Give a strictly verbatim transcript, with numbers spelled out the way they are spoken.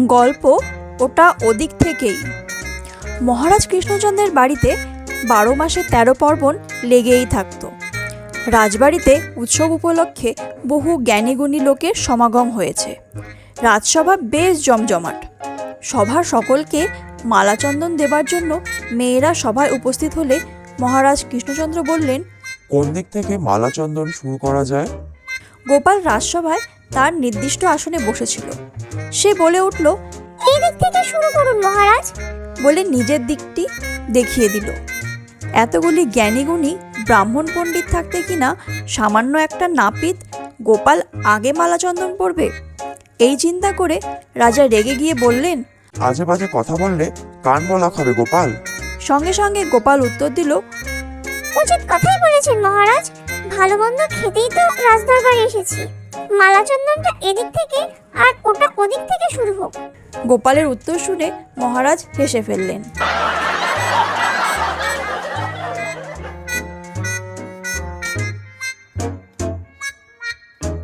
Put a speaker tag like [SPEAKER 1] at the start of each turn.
[SPEAKER 1] গল্প ওটা ওদিক থেকেই। মহারাজ কৃষ্ণচন্দ্রের বাড়িতে বারো মাসে তেরো পার্বণ লেগেই থাকত। রাজবাড়িতে উৎসব উপলক্ষে বহু জ্ঞানীগুণী লোকের সমাগম হয়েছে। রাজসভা বেশ জমজমাট। সভার সকলকে মালাচন্দন দেবার জন্য মেয়েরা সভায় উপস্থিত হলে মহারাজ কৃষ্ণচন্দ্র বললেন,
[SPEAKER 2] কোন দিক থেকে মালাচন্দন শুরু করা যায়?
[SPEAKER 1] গোপাল রাজসভায় তার নির্দিষ্ট আসনে বসেছিল। সে বলে উঠল,
[SPEAKER 3] এই দিক থেকে শুরু করুন মহারাজ।
[SPEAKER 1] বলে নিজের দিকটি দেখিয়ে দিল। এতগুলি জ্ঞানীগুণী ব্রাহ্মণ পণ্ডিত থাকতে কিনা সামান্য একটা নাপিত গোপাল আগে মালাচন্দন পড়বে? এই চিন্তা করে রাজা রেগে গিয়ে বললেন,
[SPEAKER 2] আজে বাজে কথা বললে কান বলা খাবে গোপাল।
[SPEAKER 1] সঙ্গে সঙ্গে গোপাল উত্তর দিল,
[SPEAKER 3] উচিত কথাই বলেছেন মহারাজ। ভালো মন্দ খেতেই তো রাজদরবারে এসেছি। মালাচন্দনটা এদিক থেকে আর ওটা ওদিক থেকে শুরু হোক।
[SPEAKER 1] গোপালের উত্তর শুনে মহারাজ হেসে ফেললেন।